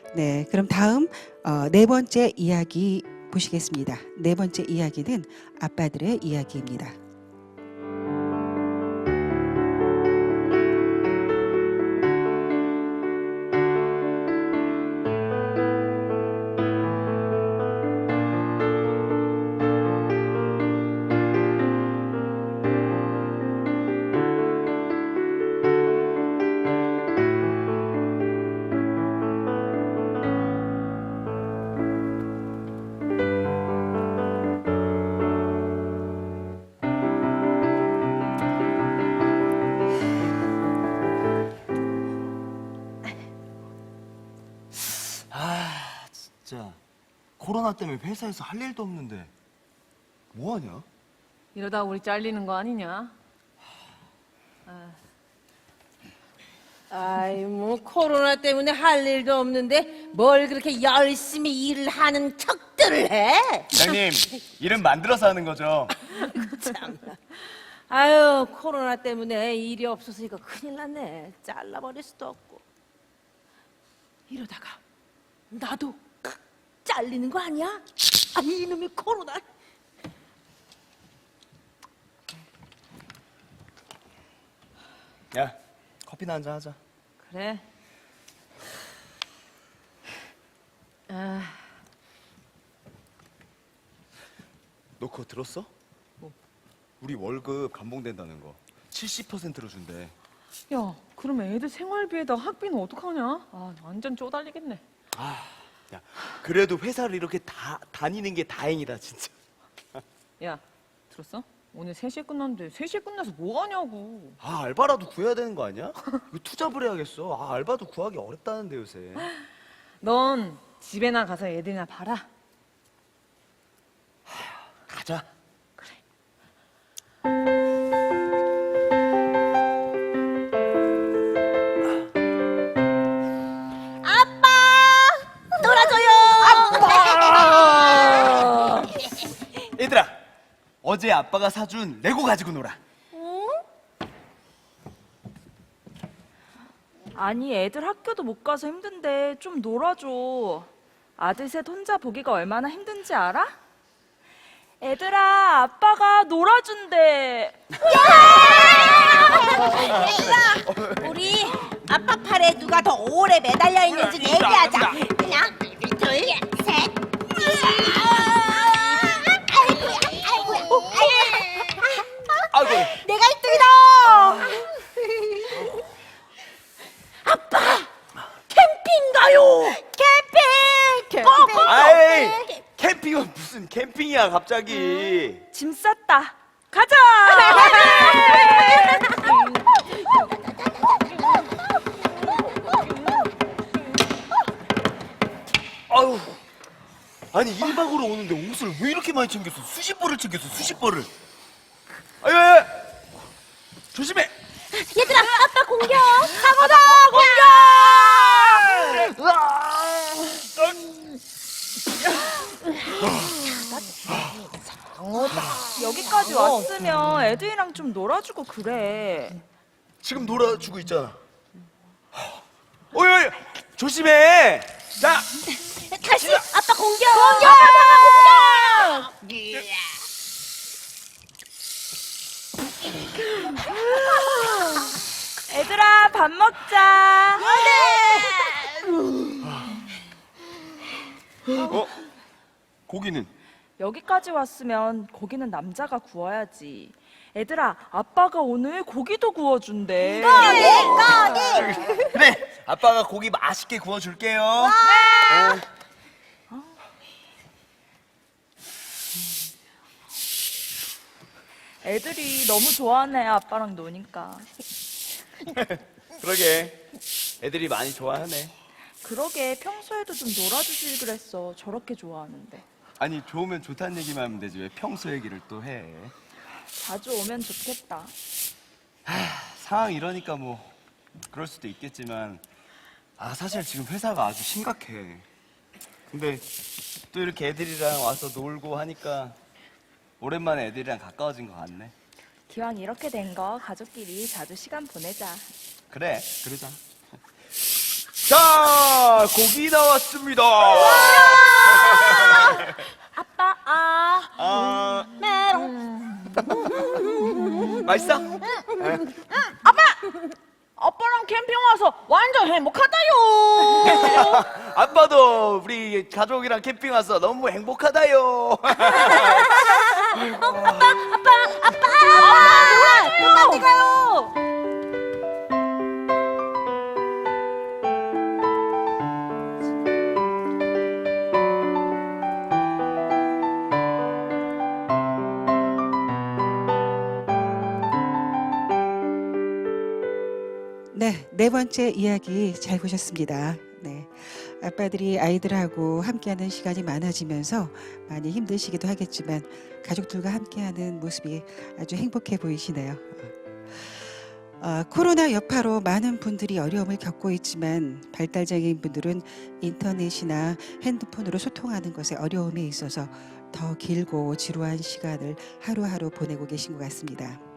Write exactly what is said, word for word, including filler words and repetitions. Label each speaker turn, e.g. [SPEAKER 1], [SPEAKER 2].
[SPEAKER 1] 네, 그럼 다음 어, 네 번째 이야기 보시겠습니다. 네 번째 이야기는 아빠들의 이야기입니다.
[SPEAKER 2] 아, 진짜 코로나 때문에 회사에서 할 일도 없는데 뭐 하냐?
[SPEAKER 3] 이러다 우리 잘리는 거 아니냐?
[SPEAKER 4] 아이 뭐 코로나 때문에 할 일도 없는데 뭘 그렇게 열심히 일을 하는 척들을 해?
[SPEAKER 2] 장님, 일은 만들어서 하는 거죠.
[SPEAKER 4] 참나. 아유 코로나 때문에 일이 없어서 이거 큰일 났네. 잘라버릴 수도 없고. 이러다가 나도 잘리는 거 아니야? 아 이놈의 코로나.
[SPEAKER 2] 야, 커피나 한잔 하자.
[SPEAKER 3] 그래. 아,
[SPEAKER 2] 너 그거 들었어? 우리 월급 감봉된다는 거 칠십 퍼센트로 준대.
[SPEAKER 3] 야, 그러면 애들 생활비에다 학비는 어떡하냐? 아, 완전 쪼달리겠네.
[SPEAKER 2] 야, 그래도 회사를 이렇게 다 다니는 게 다행이다, 진짜.
[SPEAKER 3] 야, 들었어? 오늘 세 시에 끝났는데 세 시에 끝나서 뭐 하냐고.
[SPEAKER 2] 아, 알바라도 구해야 되는 거 아니야? 이거 투잡을 해야겠어. 아, 알바도 구하기 어렵다는데 요새.
[SPEAKER 3] 넌 집에나 가서 애들이나 봐라.
[SPEAKER 2] 가자.
[SPEAKER 4] 아빠 놀아줘요.
[SPEAKER 2] 얘들아, 어제 아빠가 사준 레고 가지고 놀아.
[SPEAKER 5] 아니 애들 학교도 못 가서 힘든데 좀 놀아줘. 아들 셋 혼자 보기가 얼마나 힘든지 알아? 애들아 아빠가 놀아준대.
[SPEAKER 4] 우리 아빠 팔에 누가 더 오래 매달려 있는지 얘기하자. 하나, 둘, 셋. 아이고야, 아이고야, 아이고야.
[SPEAKER 2] 아이고.
[SPEAKER 4] 내가 일 등이다. 아빠, 캠핑 가요. 캠핑. 캠핑.
[SPEAKER 2] 아이, 캠핑은 무슨 캠핑이야, 갑자기.
[SPEAKER 5] 짐 쌌다. 가자.
[SPEAKER 2] 아유, 아니 일 박으로 오는데 옷을 왜 이렇게 많이 챙겼어? 수십 벌을 챙겼어, 수십 벌을. 아유, 아유, 조심해.
[SPEAKER 4] 얘들아, 아빠 공격. 사고다,
[SPEAKER 5] 여기까지 왔으면 애들이랑 좀 놀아주고 그래.
[SPEAKER 2] 지금 놀아주고 있잖아. 어이, 어이, 조심해. 자,
[SPEAKER 4] 다시 아빠 공격. 공격, 아빠 공격.
[SPEAKER 5] 애들아 밥 먹자.
[SPEAKER 2] 어? 고기는?
[SPEAKER 5] 여기까지 왔으면 고기는 남자가 구워야지. 애들아 아빠가 오늘 고기도 구워준대.
[SPEAKER 2] 그래, 아빠가 고기 맛있게 구워줄게요. 어.
[SPEAKER 5] 애들이 너무 좋아하네 아빠랑 노니까.
[SPEAKER 2] 그러게, 애들이 많이 좋아하네.
[SPEAKER 5] 그러게 평소에도 좀 놀아주길 그랬어. 저렇게 좋아하는데.
[SPEAKER 2] 아니, 좋으면 좋다는 얘기만 하면 되지 왜 평소 얘기를 또 해.
[SPEAKER 5] 자주 오면 좋겠다.
[SPEAKER 2] 상황 이러니까 뭐 그럴 수도 있겠지만, 아 사실 지금 회사가 아주 심각해. 근데 또 이렇게 애들이랑 와서 놀고 하니까 오랜만에 애들이랑 가까워진 것 같네.
[SPEAKER 5] 기왕 이렇게 된 거 가족끼리 자주 시간 보내자.
[SPEAKER 2] 그래, 그러자. 자, 고기 나왔습니다.
[SPEAKER 4] 아빠 아
[SPEAKER 2] 아,
[SPEAKER 4] 메롱.
[SPEAKER 2] 맛있어?
[SPEAKER 3] 아빠랑 캠핑 와서 완전 행복하다요.
[SPEAKER 2] 아빠도 우리 가족이랑 캠핑 와서 너무 행복하다요.
[SPEAKER 4] 누가 어디 가요?
[SPEAKER 1] 네, 네 번째 이야기 잘 보셨습니다. 네, 아빠들이 아이들하고 함께하는 시간이 많아지면서 많이 힘드시기도 하겠지만 가족들과 함께하는 모습이 아주 행복해 보이시네요. 어, 코로나 여파로 많은 분들이 어려움을 겪고 있지만 발달장애인 분들은 인터넷이나 핸드폰으로 소통하는 것에 어려움이 있어서 더 길고 지루한 시간을 하루하루 보내고 계신 것 같습니다.